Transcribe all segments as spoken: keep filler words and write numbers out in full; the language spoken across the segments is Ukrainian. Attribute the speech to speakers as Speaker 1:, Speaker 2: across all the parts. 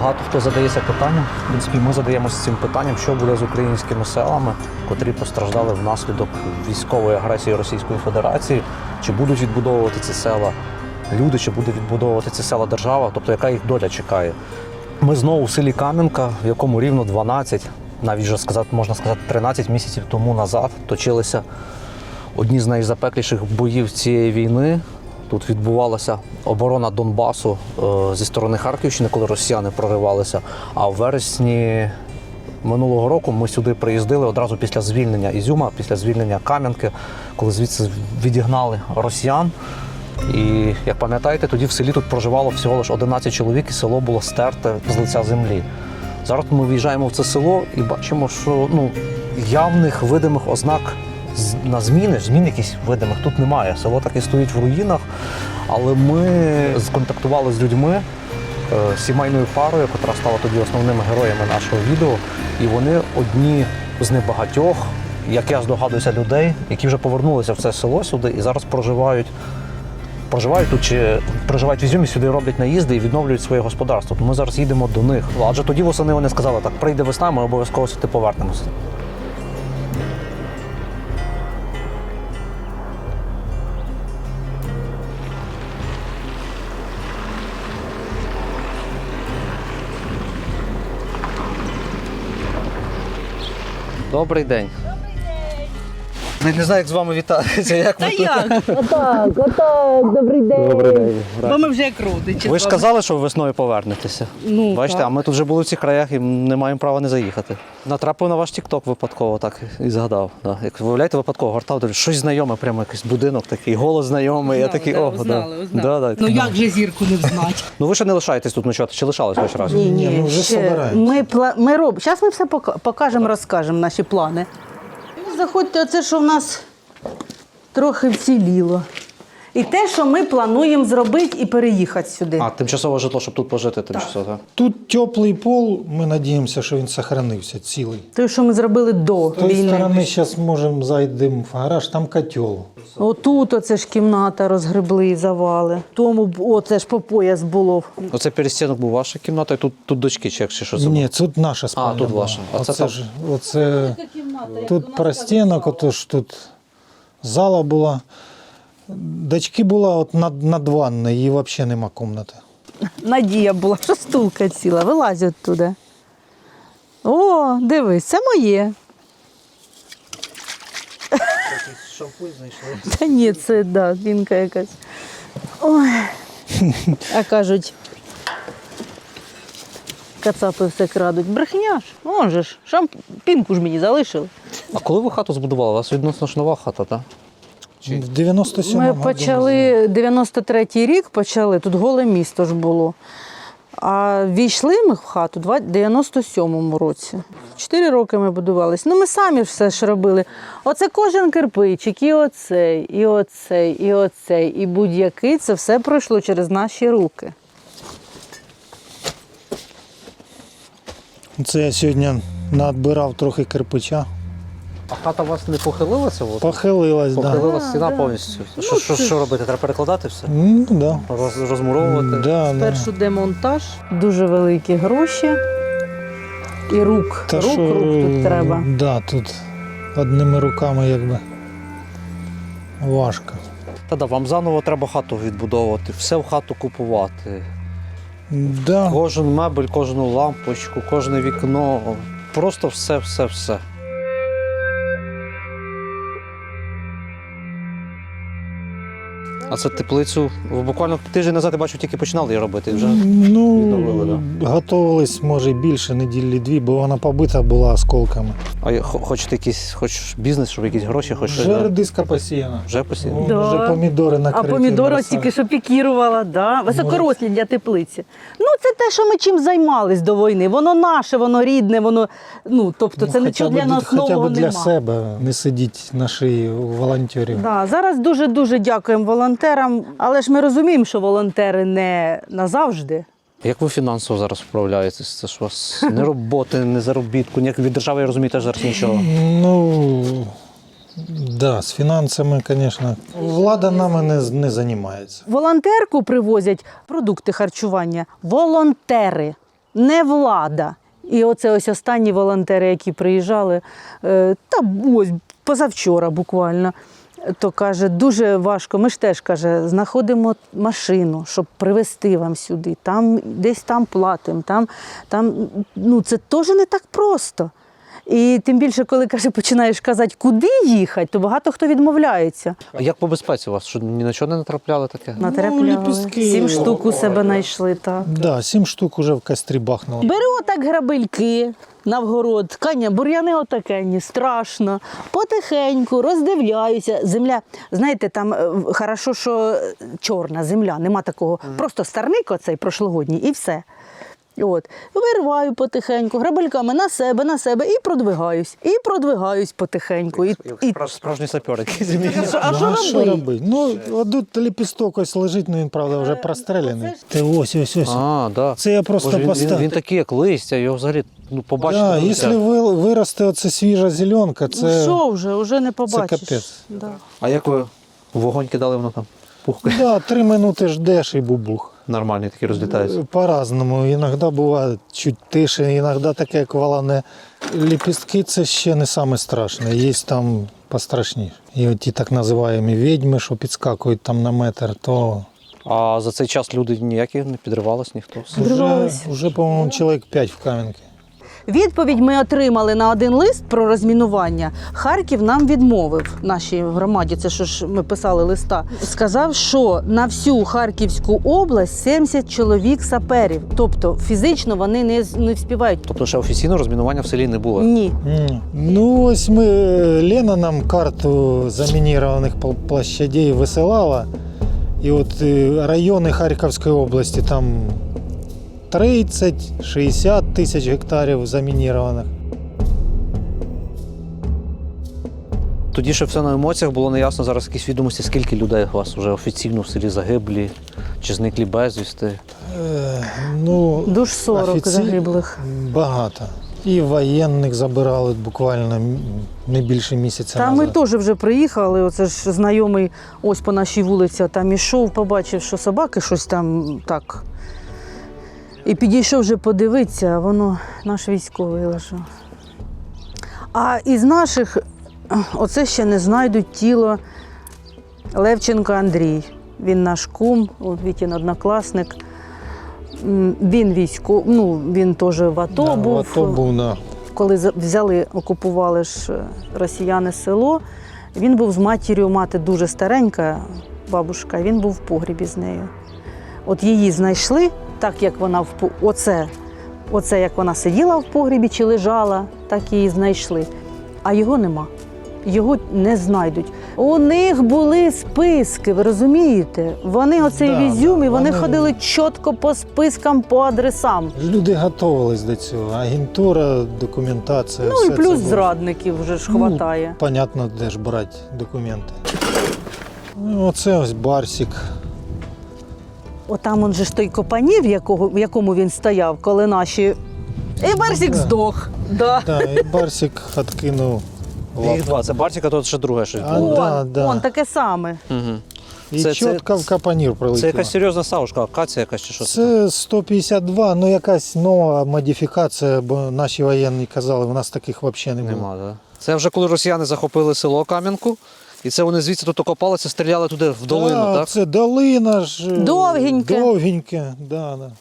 Speaker 1: Багато хто задається питанням, в принципі, ми задаємося цим питанням, що буде з українськими селами, котрі постраждали внаслідок військової агресії Російської Федерації, чи будуть відбудовувати ці села люди, чи буде відбудовувати ці села держава, тобто яка їх доля чекає. Ми знову в селі Кам'янка, в якому рівно дванадцять, навіть вже сказати, можна сказати, тринадцять місяців тому назад точилися одні з найзапекліших боїв цієї війни. Тут відбувалася оборона Донбасу е, зі сторони Харківщини, коли росіяни проривалися. А в вересні минулого року ми сюди приїздили одразу після звільнення Ізюма, після звільнення Кам'янки, коли звідси відігнали росіян. І, як пам'ятаєте, тоді в селі тут проживало всього лише одинадцять чоловік, і село було стерте з лиця землі. Зараз ми в'їжджаємо в це село і бачимо, що ну, явних видимих ознак на зміни, змін якісь видимих тут немає. Село так і стоїть в руїнах, але ми сконтактували з людьми, сімейною парою, яка стала тоді основними героями нашого відео, і вони одні з небагатьох, як я здогадуюся, людей, які вже повернулися в це село сюди і зараз проживають проживають тут чи проживають в Ізюмі, сюди роблять наїзди і відновлюють своє господарство. Ми зараз їдемо до них. Адже тоді восени вони сказали, так, прийде весна, ми обов'язково сюди повернемося. Добрий день. Не, не знаю, як з вами вітатися. Як
Speaker 2: Та
Speaker 1: ви тут?
Speaker 2: як? Отак, отак, добрий день.
Speaker 1: Добрий день.
Speaker 2: Бо ми вже як родичі.
Speaker 1: Ви ж казали, що ви весною повернетеся.
Speaker 2: Ну,
Speaker 1: Бачите,
Speaker 2: так.
Speaker 1: а ми тут вже були в цих краях і не маємо права не заїхати. Натрапив на ваш тік-ток випадково, так і згадав. Да. Як виявляєте, випадково гортав, дивлюсь, щось знайоме, прямо якийсь будинок такий, голос знайомий. Я такий,
Speaker 2: да,
Speaker 1: о,
Speaker 2: узнали,
Speaker 1: да.
Speaker 2: узнали.
Speaker 1: Да, да.
Speaker 2: Ну як же зірку не взнати?
Speaker 1: Ну ви ще не лишаєтесь тут ночувати, чи лишались хоч раз?
Speaker 3: Ні,
Speaker 4: Ні,
Speaker 3: ні,
Speaker 4: ми вже
Speaker 3: ще
Speaker 4: собираємося.
Speaker 3: ми, пла... ми роб... Зараз ми все пока- покажемо, розкажемо наші плани. Заходьте, оце, що в нас трохи вціліло. І те, що ми плануємо зробити і переїхати сюди.
Speaker 1: А, тимчасове житло, щоб тут пожити тимчасово, так?
Speaker 4: Тут теплий пол, ми сподіваємося, що він зберігся цілий.
Speaker 3: Те, що ми зробили до
Speaker 4: З тої
Speaker 3: війни.
Speaker 4: сторони зараз можемо зайдемо в гараж, там котел.
Speaker 3: Отут оце ж кімната розгребли, завали. Тому б- оце ж по пояс було.
Speaker 1: Оце перестінок був ваша кімната, і тут, тут дочки, чи як чи що це було?
Speaker 4: Ні, тут наша спальня.
Speaker 1: тут
Speaker 4: була.
Speaker 1: ваша. А це
Speaker 4: Оце,
Speaker 1: там?
Speaker 4: ж, оце тут простінок, отож тут зала була. Дочки була от над, над ванною, її взагалі нема кімнати.
Speaker 3: Надія була, що стулка ціла, вилазь оттуда. О, дивись, це моє.
Speaker 1: Шампунь знайшли.
Speaker 3: Та ні, це да, пінка якась. Ой. А кажуть, кацапи все крадуть. Брехня ж. Он же ж, шамп... пінку ж мені залишили.
Speaker 1: А коли ви хату збудували? У вас відносно ж нова хата, так?
Speaker 4: В дев'яносто сьомому
Speaker 3: Ми
Speaker 4: году
Speaker 3: почали, дев'яносто третій рік почали, тут голе місто ж було. А війшли ми в хату в дев'яносто сьомому році. Чотири роки ми будувалися. Ну, ми самі все ж робили. Оце кожен кирпичик, і оцей, і оцей, і оцей, і будь-який. Це все пройшло через наші руки.
Speaker 4: Це я сьогодні надбирав трохи кирпича.
Speaker 1: А хата у вас не похилилася? От?
Speaker 4: Похилилась, так. Да.
Speaker 1: Похилилася стіна повністю. Що, що, що робити? Треба перекладати все?
Speaker 4: Ну, да.
Speaker 1: Роз, розмуровувати?
Speaker 4: Да, да.
Speaker 3: Першу демонтаж, дуже великі гроші. І рук,
Speaker 4: Та
Speaker 3: рук,
Speaker 4: що,
Speaker 3: рук тут треба.
Speaker 4: Да, тут одними руками якби важко.
Speaker 1: Та да, вам заново треба хату відбудовувати, все в хату купувати.
Speaker 4: Да.
Speaker 1: Кожен мебель, кожну лампочку, кожне вікно. Просто все, все, все. А це теплицю ви буквально тиждень назад, я бачу, тільки починали її робити. Вже
Speaker 4: Ну,
Speaker 1: відновили,
Speaker 4: готувались, може, більше неділі дві, бо вона побита була осколками.
Speaker 1: А я- хо- хочете якийсь хоч бізнес, щоб якісь гроші, хоч щось,
Speaker 4: Вже
Speaker 1: да?
Speaker 4: редиска посіяна.
Speaker 1: Вже посіяно?
Speaker 4: Вон
Speaker 3: Да.
Speaker 4: Вже помідори
Speaker 3: А
Speaker 4: накриті.
Speaker 3: помідори
Speaker 4: на
Speaker 3: тільки що пікірувала, да? Високорослі для теплиці. Ну, це те, що ми чим займались до війни. Воно наше, воно рідне, воно, ну, тобто це
Speaker 4: Ну,
Speaker 3: нічого
Speaker 4: хоча б
Speaker 3: для нас
Speaker 4: Хоча
Speaker 3: нового
Speaker 4: б для
Speaker 3: нема.
Speaker 4: себе не сидіть на шиї у волонтерів.
Speaker 3: Да, зараз дуже-дуже дякуємо волонтерам, але ж ми розуміємо, що волонтери не назавжди.
Speaker 1: Як ви фінансово зараз вправляєтесь? Це ж у вас не роботи, не заробітку, ніяк від держави, я розумію, теж зараз нічого.
Speaker 4: Ну, да, з фінансами, звісно, влада нами не, не займається.
Speaker 3: Волонтерку привозять продукти харчування. Волонтери. не влада. І оце ось останні волонтери, які приїжджали, е, та ось позавчора буквально, то каже, дуже важко. Ми ж теж, каже, знаходимо машину, щоб привезти вам сюди. Там, десь там платимо. Там, там, ну, це теж не так просто. І тим більше, коли, каже, починаєш казати, куди їхати, то багато хто відмовляється.
Speaker 1: А як по безпеці у вас? Що ні на чого не натрапляли таке?
Speaker 3: Натрапляли.
Speaker 4: ліпістки.
Speaker 3: Сім штук у себе знайшли, так.
Speaker 4: Да, сім штук уже в кострі бахнуло.
Speaker 3: Бери отак грабельки на вгород, каня, бур'яни отакенні, страшно, потихеньку, роздивляюся. Земля, знаєте, там е, хорошо, що чорна земля, нема такого, просто старник оцей прошлогодній і все. От. Вириваю потихеньку, грабельками на себе, на себе і продвигаюсь, і продвигаюсь потихеньку. І, і...
Speaker 1: Справжній сапер якийсь.
Speaker 3: А що
Speaker 4: Ну, що
Speaker 3: робити?
Speaker 4: робити? Ну, от ліпісток ось лежить, ну він, правда, вже простреляний. Ти ось, ось, ось.
Speaker 1: А, да.
Speaker 4: Це я просто
Speaker 1: Боже, він, він,
Speaker 4: поставив.
Speaker 1: він такий, як листя, його взагалі ну, побачити.
Speaker 4: Да,
Speaker 1: нельзя.
Speaker 4: якщо ви- виросте оце свіжа зеленка,
Speaker 3: Ну
Speaker 4: це...
Speaker 3: що вже, вже не побачиш.
Speaker 4: капець.
Speaker 3: Да.
Speaker 1: А як ви вогонь кидали, воно там пухкає?
Speaker 4: Да, три минути ждеш і бубух.
Speaker 1: Нормальні такі розлітаються.
Speaker 4: По-разному. Іноді буває чуть тише, іноді таке, як валане. Ліпістки – це ще не саме страшне. Є там пострашніше. І от ті так називаємо відьми, що підскакують там на метр, то
Speaker 1: А за цей час люди ніякі не підривались, ніхто.
Speaker 4: вже,
Speaker 3: Підривались.
Speaker 4: вже по-моєму, чоловік п'ять в Кам'янці.
Speaker 3: Відповідь ми отримали на один лист про розмінування. Харків нам відмовив, нашій громаді, це що ж ми писали листа. Сказав, що на всю Харківську область сімдесят чоловік саперів. Тобто фізично вони не, не вспівають.
Speaker 1: Тобто ще офіційно розмінування в селі не було?
Speaker 3: Ні.
Speaker 4: М. Ну, ось ми, Лена нам карту замінірованих пл- площадей висилала. І от е, райони Харківської області, там тридцять-шістдесят тисяч гектарів замінірованих.
Speaker 1: Тоді ще все на емоціях, було неясно зараз якісь відомості, скільки людей у вас вже офіційно в селі загиблі, чи зниклі безвісти.
Speaker 4: Е, ну,
Speaker 3: Душ сорок
Speaker 4: офіці-
Speaker 3: загиблих.
Speaker 4: Багато. І воєнних забирали буквально м- не більше місяця
Speaker 3: Та ми
Speaker 4: назад.
Speaker 3: теж вже приїхали. Оце ж знайомий ось по нашій вулиці там ішов, побачив, що собаки щось там так. І підійшов вже подивитися, а воно наш військовий лежав. А із наших, оце ще не знайдуть тіло Левченка Андрій. Він наш кум, от Вітін однокласник. М, Він військовий, ну він теж в АТО
Speaker 4: Да,
Speaker 3: був.
Speaker 4: в АТО був, да.
Speaker 3: Коли за- взяли, окупували ж е, росіяни село, він був з матір'ю, мати дуже старенька, бабушка, він був в погрібі з нею. От її знайшли, так як вона в по- оце, оце як вона сиділа в погрібі чи лежала, так її знайшли. А його нема. Його не знайдуть. У них були списки, ви розумієте? Вони оцей
Speaker 4: Да,
Speaker 3: візюм,
Speaker 4: да,
Speaker 3: і вони
Speaker 4: вони-
Speaker 3: ходили чітко по спискам, по адресам.
Speaker 4: Люди готувались до цього. Агентура, документація.
Speaker 3: Ну
Speaker 4: все
Speaker 3: і
Speaker 4: це
Speaker 3: плюс
Speaker 4: було.
Speaker 3: зрадників вже ж
Speaker 4: Ну,
Speaker 3: хватає.
Speaker 4: Понятно, де ж брати документи. Ну, оце ось Барсик.
Speaker 3: Отам он же ж той копанів, якого, в якому він стояв, коли наші. І Барсік
Speaker 4: Да.
Speaker 3: здох. Да.
Speaker 4: Да, і Барсик відкинув
Speaker 1: Їх
Speaker 4: лапу.
Speaker 1: два. Це Бартіка, то ще друге щось
Speaker 4: А,
Speaker 1: було.
Speaker 4: да,
Speaker 3: Он,
Speaker 4: да.
Speaker 3: он таке саме.
Speaker 1: Угу.
Speaker 4: І
Speaker 1: Це- це-
Speaker 4: чітко в капанір
Speaker 1: Це
Speaker 4: прилетіло.
Speaker 1: якась серйозна савушка, акація якась чи що це?
Speaker 4: Це сто п'ятдесят два, ну якась нова модифікація, бо наші воєнні казали, у нас таких взагалі не було.
Speaker 1: Нема, да? Це вже коли росіяни захопили село Кам'янку, і це вони звідси тут окопалися, стріляли туди в долину,
Speaker 4: Да,
Speaker 1: так?
Speaker 4: Це долина ж. е,
Speaker 3: Довгеньке.
Speaker 4: Довгеньке, да, да.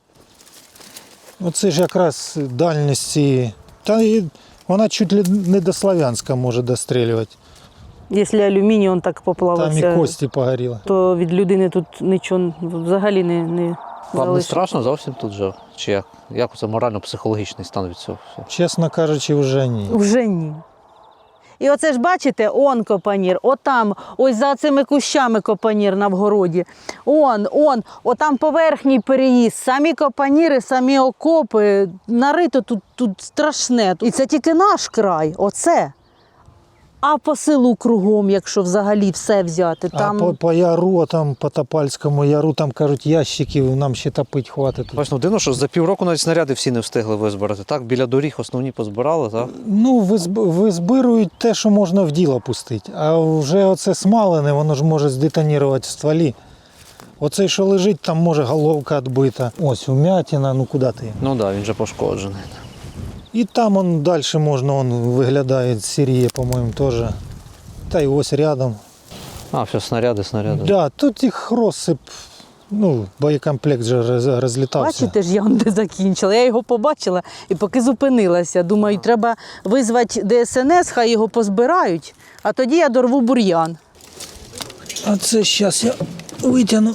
Speaker 4: Оце ж якраз дальність цієї. Та і вона чуть ли не до Слов'янська може дострілювати.
Speaker 3: Якщо алюміній он так
Speaker 4: Там і
Speaker 3: поплавився,
Speaker 4: кості погоріли.
Speaker 3: то від людини тут нічого взагалі не, не
Speaker 1: Вам не
Speaker 3: залишиться.
Speaker 1: страшно зовсім тут же? Чи як? Як це морально-психологічний стан від цього всього?
Speaker 4: Чесно кажучи, вже ні.
Speaker 3: Вже ні. І оце ж бачите, он копанір, отам, ось за цими кущами копанір на вгороді. Он, он, отам поверхній переїзд, самі копаніри, самі окопи. Нарито тут, тут страшне. І це тільки наш край, оце. А по селу кругом, якщо взагалі все взяти, там...
Speaker 4: А по, по яру, там, по Топальському яру, там кажуть, ящиків нам ще топить хватить. тут.
Speaker 1: Бачно, дивно, що за півроку навіть снаряди всі не встигли визбирати. Так, біля доріг основні позбирали, так?
Speaker 4: Ну, визб- визбирують те, що можна в діло пустити. А вже оце смалене, воно ж може здетонувати в стволі. Оцей, що лежить, там може головка відбита. Ось вмятина, ну куди ти?
Speaker 1: Ну так, да, він же пошкоджений.
Speaker 4: І там он далі можна, он виглядає сіріє, по-моєму, теж. Та й ось рядом.
Speaker 1: А, все, снаряди, снаряди.
Speaker 4: Да, тут їх розсип, ну, боєкомплект же роз- розлітався.
Speaker 3: Бачите ж, я он де закінчила. Я його побачила і поки зупинилася. Думаю, треба визвати Де Ес Ен Ес, хай його позбирають, а тоді я дорву бур'ян.
Speaker 4: А це зараз я витягну.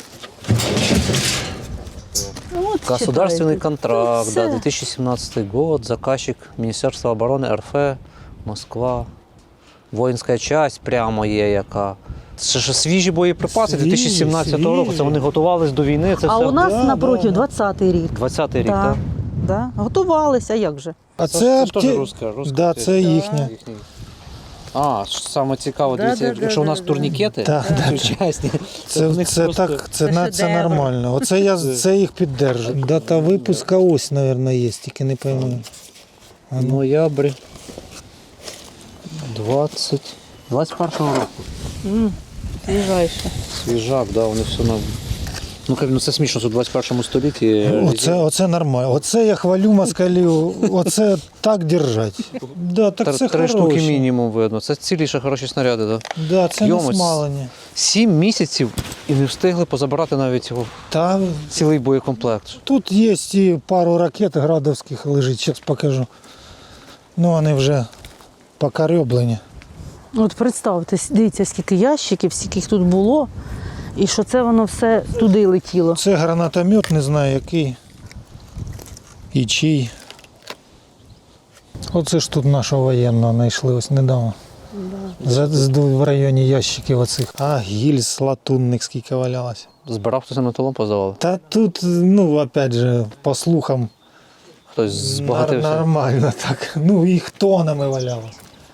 Speaker 3: Ну, от
Speaker 1: Государственный
Speaker 3: читайте.
Speaker 1: контракт,
Speaker 3: Це
Speaker 1: да, две тысячи семнадцатый год, заказчик Министерство обороны Ер Еф, Москва. Воїнська часть прямо є яка. Це ж свіжі боєприпаси дві тисячі сімнадцятого року. Це вони готувались до війни. Це
Speaker 3: А
Speaker 1: все
Speaker 3: у нас
Speaker 4: Да,
Speaker 3: напротив
Speaker 4: да, да.
Speaker 3: двадцятий рік.
Speaker 1: двадцятий рік,
Speaker 3: Да,
Speaker 1: так?
Speaker 3: да. Готувалися, а як же?
Speaker 4: А
Speaker 1: Це,
Speaker 4: це,
Speaker 1: це ж теж
Speaker 4: апте-
Speaker 1: руська, руська
Speaker 4: да,
Speaker 1: теж.
Speaker 4: це їхня.
Speaker 1: Їхній. А, саме цікаво,
Speaker 3: Да,
Speaker 1: дивіться,
Speaker 3: да,
Speaker 1: якщо
Speaker 3: да,
Speaker 1: у нас
Speaker 3: да,
Speaker 1: турнікети
Speaker 4: Да, да, да.
Speaker 1: сучасні, то в
Speaker 4: Це,
Speaker 1: них
Speaker 4: це,
Speaker 1: просто-
Speaker 4: так, це,
Speaker 3: Це
Speaker 4: на, це
Speaker 3: шедевр.
Speaker 4: нормально. Оце я це їх піддержу. Дата випуска ось, мабуть, є, тільки не пойму. А ну.
Speaker 1: Ноябрь двадцять двадцять першого року.
Speaker 3: М, Свіжайше.
Speaker 1: Свіжак, да, вони все на. Ну, як, ну це смішно, що в двадцять першому столітті.
Speaker 4: Оце, оце нормально. Оце я хвалю москалів. Оце так держать. Да, так
Speaker 1: Три,
Speaker 4: це
Speaker 1: три штуки
Speaker 4: хороше.
Speaker 1: мінімум видно. Це ціліше хороші снаряди, так? Да?
Speaker 4: Да, це не
Speaker 1: Йомось.
Speaker 4: смалення.
Speaker 1: Сім місяців і не встигли позабирати навіть його
Speaker 4: Та
Speaker 1: цілий боєкомплект.
Speaker 4: тут є і пару ракет градовських лежить, зараз покажу. Ну, вони вже покарьоблені.
Speaker 3: От представте, дивіться, скільки ящиків, скільки їх тут було, і що це воно все туди летіло.
Speaker 4: Це гранатомет, не знаю який. І чий. Оце ж тут нашого воєнного знайшли ось недавно. За, з- в районі ящиків оцих. А гільз латунних скільки валялося.
Speaker 1: Збирав хтось на металом позавали.
Speaker 4: Та тут, ну, опять же, по слухам,
Speaker 1: Хтось
Speaker 4: нар-
Speaker 1: збагатився.
Speaker 4: нормально так. Ну, їх тонами валялося.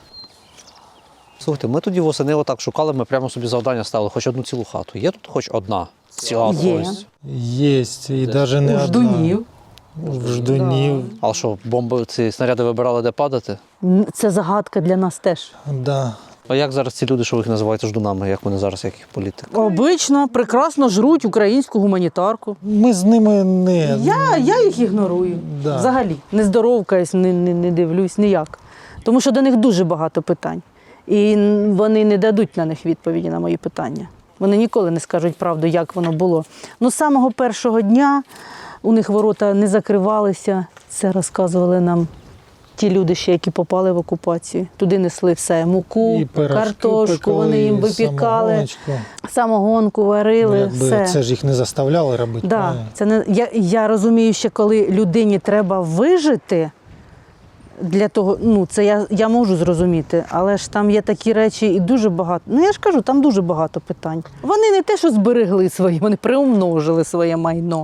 Speaker 1: Слухайте, ми тоді восени отак шукали, ми прямо собі завдання ставили, хоч одну цілу хату. Є тут хоч одна ціла
Speaker 3: Є.
Speaker 1: ось.
Speaker 4: Є, і навіть не
Speaker 3: У
Speaker 4: одна.
Speaker 3: ждунів.
Speaker 4: В ждунів.
Speaker 1: Але що, бомби, ці снаряди вибирали, де падати?
Speaker 3: М, Це загадка для нас теж.
Speaker 4: Да.
Speaker 1: А як зараз ці люди, що ви їх називаєте ждунами, як вони зараз, як їх політик?
Speaker 3: Обично прекрасно жруть українську гуманітарку.
Speaker 4: Ми з ними не.
Speaker 3: Я, я їх ігнорую.
Speaker 4: Да.
Speaker 3: Взагалі. Не здоровкаюсь, не, не, не дивлюсь ніяк. Тому що до них дуже багато питань. І вони не дадуть на них відповіді на мої питання. Вони ніколи не скажуть правду, як воно було. Ну, з самого першого дня у них ворота не закривалися. Це розказували нам ті люди, ще, які попали в окупацію. Туди несли все: муку,
Speaker 4: І пирожки
Speaker 3: картошку,
Speaker 4: пекли,
Speaker 3: вони їм
Speaker 4: і
Speaker 3: випікали,
Speaker 4: самогоночку.
Speaker 3: самогонку варили,
Speaker 4: Ну, якби
Speaker 3: все.
Speaker 4: це ж їх не заставляли робити.
Speaker 3: Да,
Speaker 4: правильно?
Speaker 3: це не, я, я розумію, що коли людині треба вижити, для того, ну це я, я можу зрозуміти, але ж там є такі речі і дуже багато. Ну я ж кажу, там дуже багато питань. Вони не те, що зберегли своє, вони приумножили своє майно.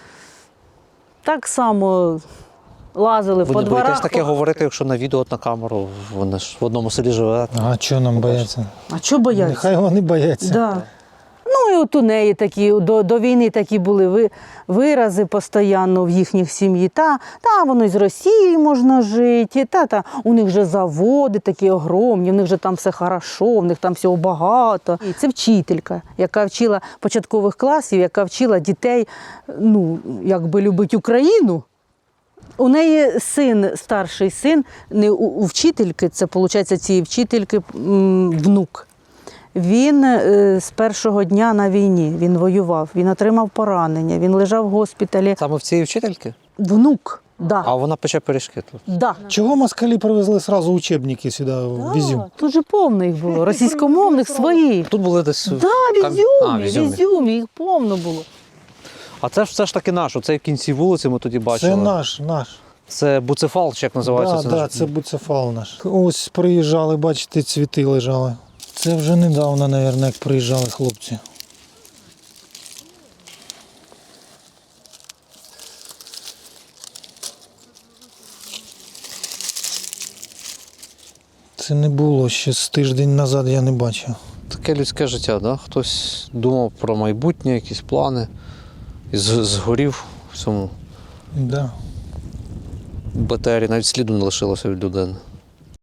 Speaker 3: Так само лазили
Speaker 1: Ви
Speaker 3: по
Speaker 1: не боїтесь
Speaker 3: дворах.
Speaker 1: таке говорити, якщо на відео, от на камеру, вони ж в одному селі живе.
Speaker 4: А чого нам бояться?
Speaker 3: А чого бояться?
Speaker 4: Нехай вони бояться.
Speaker 3: Да. Ну і от у неї такі, до, до війни такі були ви, вирази постійно в їхніх сім'ї. Та, та воно і з Росією можна жити, та, та, у них же заводи такі огромні, в них же там все хорошо, в них там всього багато. І це вчителька, яка вчила початкових класів, яка вчила дітей, ну, якби любити Україну. У неї син, старший син, не у, у вчительки, це, виходить, цієї вчительки м, внук. Він е, з першого дня на війні, він воював, він отримав поранення, він лежав в госпіталі.
Speaker 1: Саме в цієї вчительки?
Speaker 3: Внук, да.
Speaker 1: А вона пече пиріжки тут.
Speaker 3: Да.
Speaker 4: Чого москалі привезли одразу учебники сюди в Ізюм?
Speaker 3: Тут же повно їх було, російськомовних своїх.
Speaker 1: Тут були десь.
Speaker 3: Да, в
Speaker 1: Кам- А, в
Speaker 3: Ізюмі, в
Speaker 1: Ізюмі.
Speaker 3: Ізюмі, їх повно було.
Speaker 1: А це ж все ж таки наш. Оцей в кінці вулиці ми тоді бачили.
Speaker 4: Це наш, наш.
Speaker 1: Це Буцефал, чи як називається?
Speaker 4: Да,
Speaker 1: це
Speaker 4: да,
Speaker 1: наш?
Speaker 4: це буцефал наш. Ось приїжджали, бачите, цвіти лежали. Це вже недавно, мабуть, як приїжджали хлопці. Це не було ще з тиждень назад, я не бачив.
Speaker 1: Таке людське життя, да? Хтось думав про майбутнє, якісь плани. І з- згорів в цьому
Speaker 4: Да.
Speaker 1: БТРі, навіть сліду не лишилося від людини.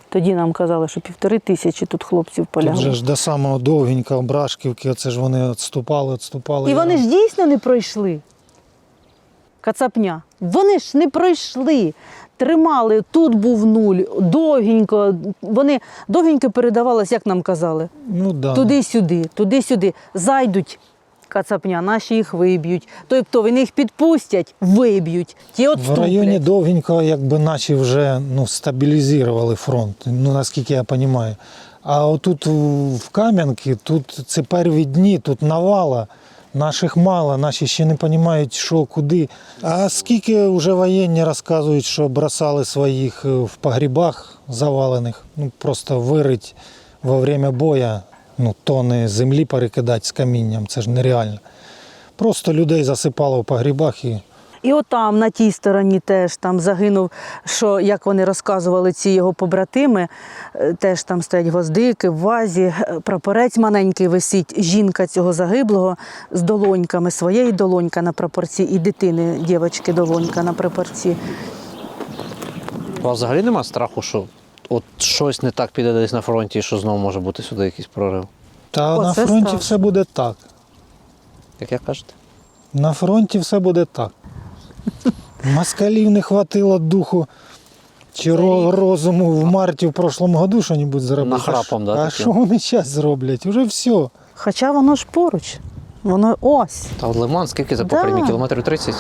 Speaker 3: Тоді нам казали, що півтори тисячі тут хлопців
Speaker 4: Тут же
Speaker 3: полягло.
Speaker 4: ж до самого довгенького Брашківки, оце ж вони відступали, відступали.
Speaker 3: І вони ж дійсно не пройшли. Кацапня. Вони ж не пройшли. Тримали, тут був нуль, довгенько. Вони довгенько передавалось, як нам казали.
Speaker 4: Ну, да.
Speaker 3: Туди-сюди, туди-сюди. Зайдуть кацапня, наші їх виб'ють. Тобто вони їх підпустять, виб'ють. Ті
Speaker 4: В
Speaker 3: отступлять.
Speaker 4: районі довгенького, якби наші вже ну, стабілізували фронт, ну, наскільки я розумію. А отут в Кам'янці, тут це перші дні, тут навала. Наших мало, наші ще не розуміють, що, куди. А скільки вже воєнні розказують, що бросали своїх в погрібах завалених, ну просто вирить во время бою, ну тони землі перекидати з камінням, це ж нереально. Просто людей засипало в погрібах і
Speaker 3: І отам, на тій стороні теж там загинув, що, як вони розказували, ці його побратими, е, теж там стоять гвоздики в вазі, е, прапорець маленький висить, жінка цього загиблого з долоньками, своєї долонька на прапорці і дитини, дівчинки долонька на прапорці.
Speaker 1: У вас взагалі немає страху, що от щось не так піде десь на фронті, і що знову може бути сюди якийсь прорив?
Speaker 4: та
Speaker 3: О,
Speaker 4: на
Speaker 3: це
Speaker 4: фронті
Speaker 3: страшно.
Speaker 4: все буде так.
Speaker 1: Як я кажете?
Speaker 4: На фронті все буде так. Москалів не хватило духу чи ро- розуму в марті в прошлому году що-небудь зробити.
Speaker 1: Нахрапом, да,
Speaker 4: А
Speaker 1: таким?
Speaker 4: що вони зараз зроблять? Уже все.
Speaker 3: Хоча воно ж поруч, воно ось.
Speaker 1: Та от Лиман, скільки за
Speaker 3: Да.
Speaker 1: попрямі? Кілометрів тридцять?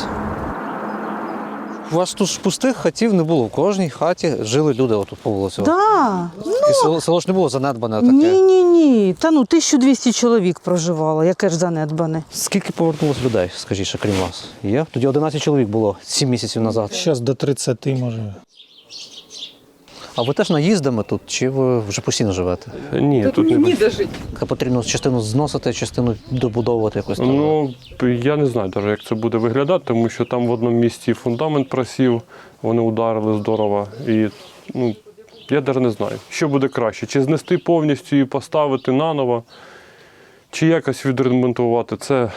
Speaker 1: У вас тут ж пустих хатів не було. В кожній хаті жили люди отут по вулиці.
Speaker 3: Да.
Speaker 1: І село, село ж не було занедбане таке.
Speaker 3: Ні, ні, ні. Та ну тисяча двісті чоловік проживало, яке ж занедбане.
Speaker 1: Скільки повернулось людей, скажіть, ще крім вас? Є? Тоді одинадцять чоловік було сім місяців назад.
Speaker 4: Зараз до тридцяти може.
Speaker 1: А ви теж наїздами тут, чи ви вже постійно живете?
Speaker 5: Ні, тут не
Speaker 2: Ніде жити.
Speaker 1: Та потрібно частину зносити, частину добудовувати якось там.
Speaker 5: ну я не знаю навіть, як це буде виглядати, тому що там в одному місці фундамент просів, вони ударили здорово. І ну я навіть не знаю, що буде краще, чи знести повністю і поставити наново, чи якось відремонтувати. Це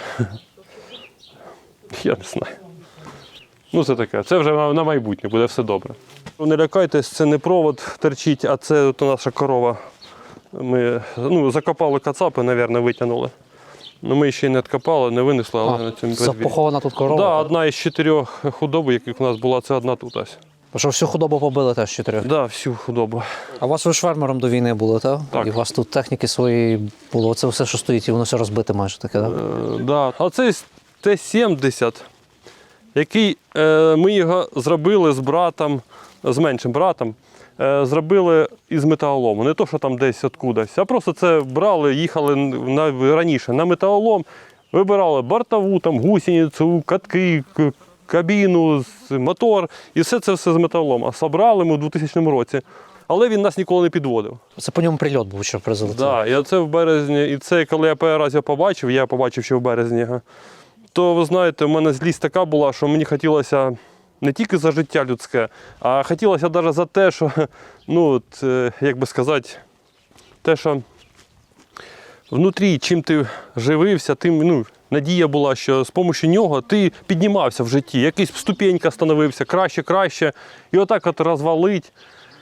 Speaker 5: я не знаю. Ну, це таке. Це вже на на майбутнє, буде все добре. Не лякайтесь, це не провод терчить, а це от наша корова. Ми ну, закопали кацапи, мабуть, витягнули. Ну, ми ще не відкопали, не винесли, але на цьому подвір'ї.
Speaker 1: Запохована тут корова?
Speaker 5: Да,
Speaker 1: так?
Speaker 5: одна із чотирьох худоб, яких у нас була, це одна тут ось.
Speaker 1: А що всю худобу побили теж чотирьох?
Speaker 5: Да, всю худобу.
Speaker 1: А у вас ви ж фермером до війни були, так?
Speaker 5: Так.
Speaker 1: І у вас тут техніки свої було. Це все, що стоїть, і воно все розбите майже таке, так?
Speaker 5: Е, да. А цей Т сімдесят, який е, ми його зробили з братом, з меншим братом, е, зробили із металолому. Не то, що там десь откудись, а просто це брали, їхали на, раніше на металолом, вибирали бортову, там, гусеницю, катки, к- кабіну, з- мотор, і все це все з металолом. А собрали ми у двохтисячному році. Але він нас ніколи не підводив.
Speaker 1: Це по ньому прильот був, що призолотив.
Speaker 5: Да, і це в березні, і це коли я перший раз його побачив, я побачив ще в березні його, то ви знаєте, в мене злість така була, що мені хотілося не тільки за життя людське, а хотілося навіть за те, що, ну, от, е, як би сказати, те, що внутрі, чим ти живився, тим, ну, надія була, що з допомогою нього ти піднімався в житті, якийсь ступенька становився, краще, краще, і отак от розвалить,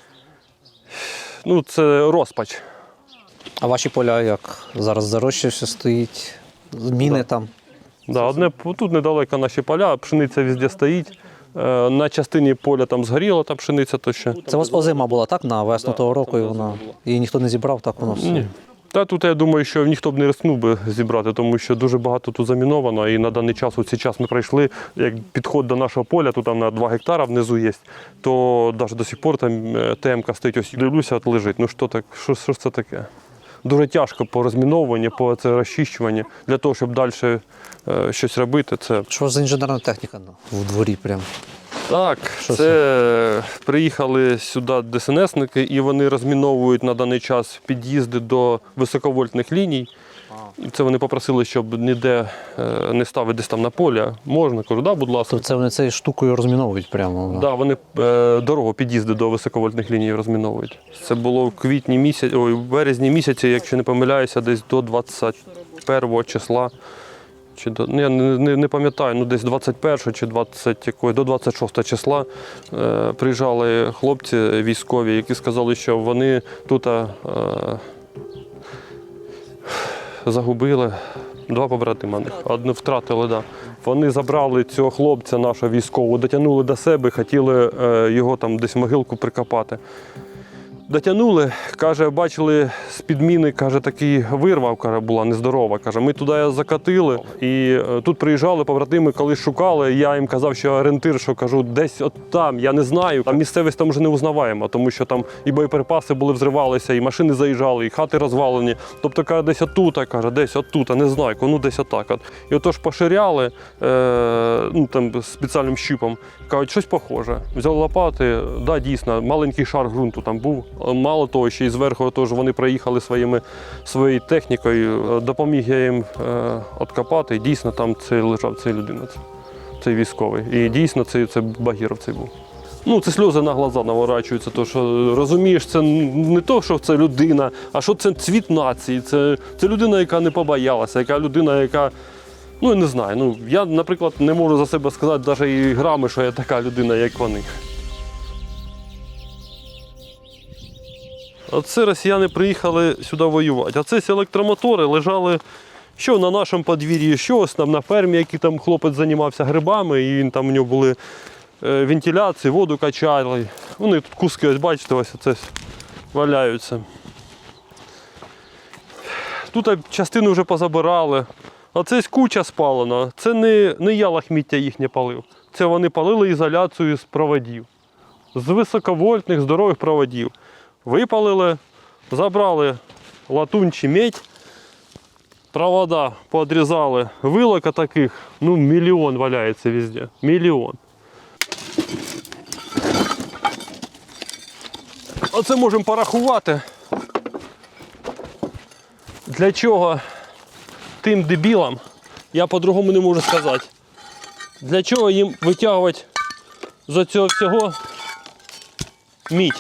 Speaker 5: ну, це розпач.
Speaker 1: А ваші поля як? Зараз зарощі все стоїть, міни там.
Speaker 5: Да, одне, тут недалеко наші поля, пшениця везде стоїть. Е, На частині поля там згоріла та пшениця, то ще.
Speaker 1: Це у вас озима була, так? На весну того року, і вона. Її ніхто не зібрав, так воно все.
Speaker 5: Ні. Та тут я думаю, що ніхто б не рискнув би зібрати, тому що дуже багато тут заміновано. І на даний час, у цей час ми пройшли, як підход до нашого поля, тут там на два гектара внизу є, то навіть до сих пор там ТМ-ка стоїть, ось дивлюся, от лежить. Ну що так, що, що ж це таке? Дуже тяжко по розмінуванню, по це розчищуванню, для того, щоб далі е, щось робити. Це
Speaker 1: Що за інженерна техніка ну, в дворі прям?
Speaker 5: Так,
Speaker 1: Що
Speaker 5: це приїхали сюди ДСНСники, і вони розміновують на даний час під'їзди до високовольтних ліній. І це вони попросили, щоб ніде е, не ставити десь там на полі. Можна, кажу, да, будь ласка.
Speaker 1: То це вони цією штукою розміновують прямо.
Speaker 5: Да, вони е, дорогу під'їзди до високовольтних ліній розміновують. Це було в квітні місяці, ой, в березні місяці, якщо не помиляюся, десь до двадцять першого числа чи до, ну, я не, не, не пам'ятаю, ну десь двадцять першого чи двадцять, якої, до двадцять шостого числа е, приїжджали хлопці військові, які сказали, що вони тут е, загубили два побратима них, одну втратили, да. Вони забрали цього хлопця нашого військового, дотягнули до себе, хотіли е, його там десь в могилку прикопати. Дотягнули, каже, бачили з підміни, каже, такий вирва, каже, була нездорова. Каже, ми туди закатили і е, тут приїжджали побратими, коли шукали, я їм казав, що орієнтир, що кажу, десь от там, я не знаю. Там місцевість там вже не узнаваємо, тому що там і боєприпаси були, взривалися, і машини заїжджали, і хати розвалені. Тобто, каже, десь отут, каже, десь отут, не знаю, ну десь отак. От. І отож поширяли е, ну, там, спеціальним щупом, кажуть, щось похоже. Взяли лопати, да, дійсно, маленький шар ґрунту там був. Мало того, ще й зверху тож вони приїхали своїми, своєю технікою, допоміг я їм е, откопати, і дійсно там це лежав цей людина, цей військовий. І дійсно це, це Багіров цей був. Ну, це сльози на глаза наворачуються, то що розумієш, це не то, що це людина, а що це цвіт нації, це, це людина, яка не побоялася, яка людина, яка, ну, я не знаю, ну, я, наприклад, не можу за себе сказати навіть і грами, що я така людина, як вони. Оце росіяни приїхали сюди воювати. А це ці електромотори лежали що на нашому подвір'ї, що ось там на фермі, який там хлопець займався грибами, і він, там у нього були е, вентиляції, воду качали. Вони тут куски, ось бачите, ось це валяються. Тут частину вже позабирали. А це куча спалена. Це не, не я лахміття їхнє палив. Це вони палили ізоляцію з проводів. З високовольтних, здорових проводів. Випалили, забрали латунь чи медь, провода подрізали, вилок таких, ну, мільйон валяється везде, мільйон. Оце можемо порахувати, для чого тим дебілам, я по-другому не можу сказати, для чого їм витягувати з цього всього мідь.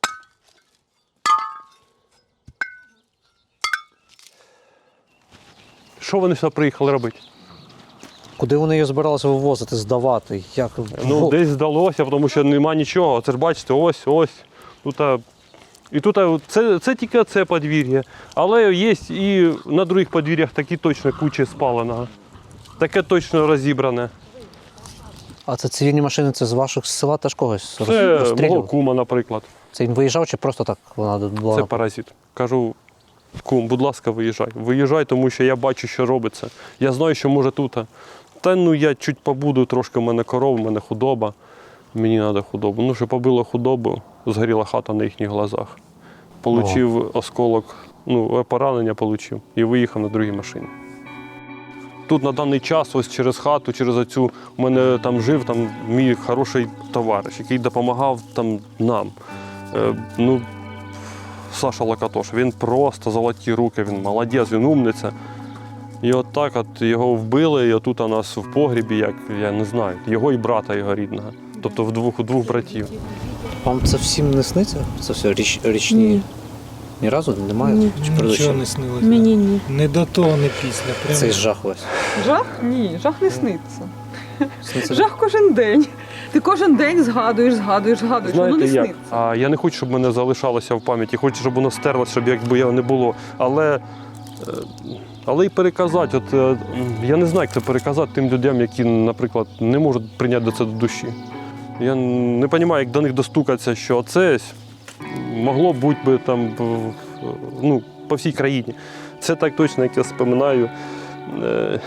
Speaker 5: Що вони сюди приїхали робити?
Speaker 1: Куди вони її збиралися вивозити, здавати? Як?
Speaker 5: Ну,
Speaker 1: Во-
Speaker 5: десь здалося, тому що нема нічого. Це ж бачите, ось, ось. Тут, а, і тут а, це, це тільки це подвір'я. Але є і на других подвір'ях такі точно кучі спаленого. Таке точно розібране.
Speaker 1: А це цивільні машини, це з ваших села теж когось
Speaker 5: Це мого
Speaker 1: розстрілював?
Speaker 5: кума, наприклад.
Speaker 1: Це він виїжджав чи просто так вона була?
Speaker 5: Це паразит. Кажу, кум, будь ласка, виїжджай. Виїжджай, тому що я бачу, що робиться. Я знаю, що може тут. Та ну я чуть побуду, трошки в мене коров, в мене худоба. Мені треба худобу. Ну, що побило худобу, згоріла хата на їхніх глазах. Получив осколок, ну, поранення отримав і виїхав на другій машині. Тут на даний час, ось через хату, через оцю, у мене там жив там, мій хороший товариш, який допомагав там, нам. Е, ну, Саша Лакатош, він просто золоті руки, він молодець, він умниця. І от так от його вбили, і отут у нас в погрібі, як, я не знаю, його і брата його рідного. Тобто в двох, у двох братів.
Speaker 1: Вам це всім не сниться? Це все річ, річні?
Speaker 2: Ні.
Speaker 1: Ні разу немає?
Speaker 2: Ні.
Speaker 1: Чи
Speaker 4: Нічого
Speaker 1: передачі?
Speaker 4: не снилося.
Speaker 2: Мені ні.
Speaker 4: Не до того, не після. Прямо.
Speaker 1: Цей жах весь.
Speaker 6: Жах? Ні, жах не сниться.
Speaker 1: Сниться?
Speaker 6: Жах кожен день. Ти кожен день згадуєш, згадуєш, згадуєш. Воно
Speaker 5: Знаєте
Speaker 6: не
Speaker 5: як?
Speaker 6: сниться.
Speaker 5: А я не хочу, щоб мене залишалося в пам'яті, хочу, щоб воно стерлося, щоб якби його не було. Але, е, але й переказати, от, е, я не знаю, як це переказати тим людям, які, наприклад, не можуть прийняти до це до душі. Я не розумію, як до них достукатися, що це могло бути би там, ну, по всій країні. Це так точно, як я споминаю. Е,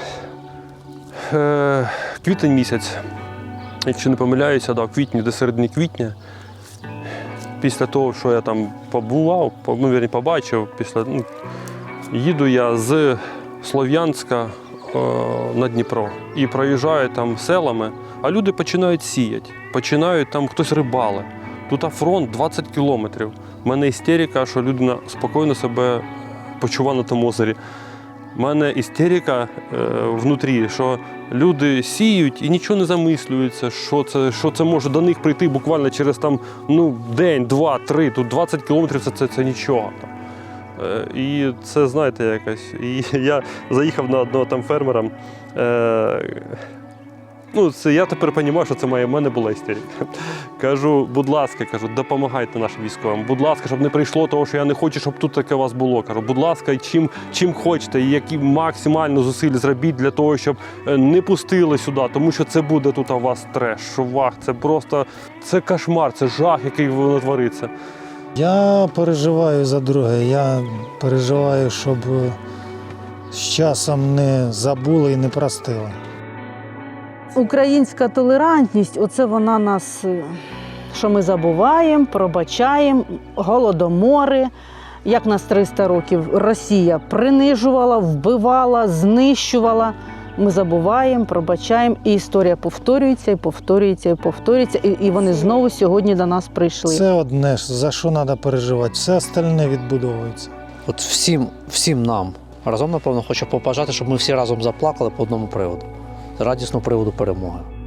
Speaker 5: е, квітень місяць. Якщо не помиляюся, да, в квітні, до середини квітня, після того, що я там побував, ну, вірні, побачив, після, ну, їду я з Слов'янська е, на Дніпро і проїжджаю там селами, а люди починають сіяти, починають там хтось рибали. Тут фронт двадцять кілометрів. У мене істерика, що людина спокійно себе почуває на тому озері. У мене істерика е, внутрі, що люди сіють і нічого не замислюються, що це, що це може до них прийти буквально через там, ну, день, два, три, тут двадцять кілометрів це, це, це нічого. Е, і це, знаєте, якось. І я заїхав на одного там фермера, Е, ну, це я тепер розумію, що це моя, в мене була істерика. Кажу, будь ласка, кажу, допомагайте нашим військовим. Будь ласка, щоб не прийшло того, що я не хочу, щоб тут таке у вас було. Кажу, будь ласка, чим, чим хочете, і які максимально зусиль зробіть для того, щоб не пустили сюди, тому що це буде тут у вас треш, шовах, це просто, це кошмар, це жах, який твориться.
Speaker 4: Я переживаю за друге. Я переживаю, щоб з часом не забули і не простили.
Speaker 3: Українська толерантність, оце вона нас, е, що ми забуваємо, пробачаємо, голодомори. Як нас триста років Росія принижувала, вбивала, знищувала. Ми забуваємо, пробачаємо, і історія повторюється, і повторюється, і повторюється, і, і вони знову сьогодні до нас прийшли.
Speaker 4: Це одне, за що треба переживати. Все остальне відбудовується.
Speaker 1: От всім, всім нам разом, напевно, хочу побажати, щоб ми всі разом заплакали по одному приводу. Радісного приводу перемоги.